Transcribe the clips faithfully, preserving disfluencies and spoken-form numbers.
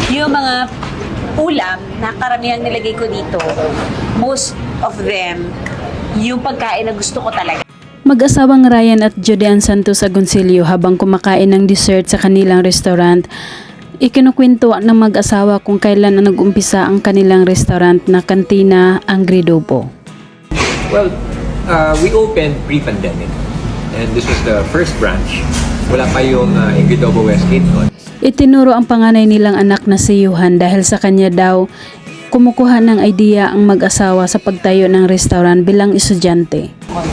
yung mga ulam na karamihang nilagay ko dito, most of them, yung pagkain na gusto ko talaga. Mag-asawang Ryan at Judean Santos Agoncillo habang kumakain ng dessert sa kanilang restaurant, ikinukwento ng mag-asawa kung kailan na nag-umpisa ang kanilang restaurant na Cantina Agridobo. Well, uh, we opened pre-pandemic and this was the first branch. Wala pa yung uh, Agridobo Westgate noon. Itinuro ang panganay nilang anak na si Johan dahil sa kanya daw kumukuha ng idea ang mag-asawa sa pagtayo ng restaurant bilang estudyante.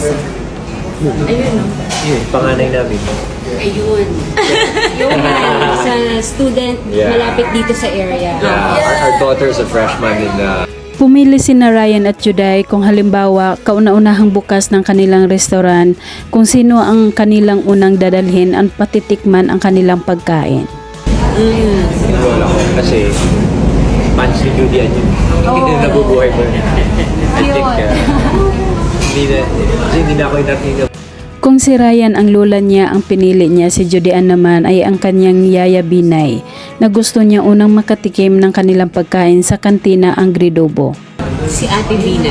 Ayun, no? Yun, panganay namin. Ayun. Yung sa student Yeah. malapit dito sa area. Yeah, our, our daughter's a freshman in the... Pumili sina Ryan at Juday kung halimbawa kauna-unahang bukas ng kanilang restaurant kung sino ang kanilang unang dadalhin at patitikman ang kanilang pagkain. Mm. Yung lola ko. Kasi punch ni Judy yan yun. Hindi na nabubuhay ko. I think, uh, hindi na, kasi hindi na ako inarting. Kung si Ryan ang lola niya ang pinili niya, si Judean naman ay ang kanyang yaya Binay na gusto niya unang makatikim ng kanilang pagkain sa Cantina Agridobo. Si Ate Bina.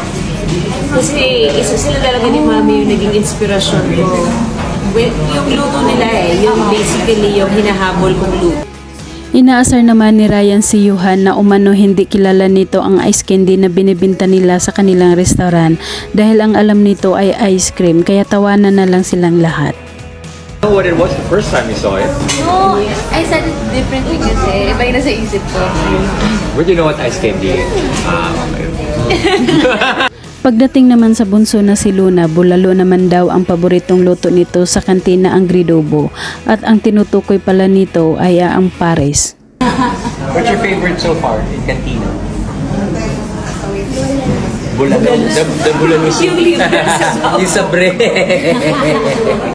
Kasi isa sila talaga ni Mami yung naging inspirasyon ko. Well, yung luto nila eh, yung basically yung hinahabol kong luto. Inaasar naman ni Ryan si Johan na umano hindi kilala nito ang ice candy na binibinta nila sa kanilang restaurant dahil ang alam nito ay ice cream kaya tawanan na lang silang lahat. You know what it was the first time you saw it? No, I said it differently kasi iba yung nasa isip ko. Where do you know what ice candy is? Ah, okay. Pagdating naman sa bunso na si Luna, bulalo naman daw ang paboritong luto nito sa Cantina Agridobo at ang tinutukoy pala nito ay ang pares. What's your favorite so far in Cantina? Bulalo. The, the bulalo soup. Yung libre sa Yung sa bread.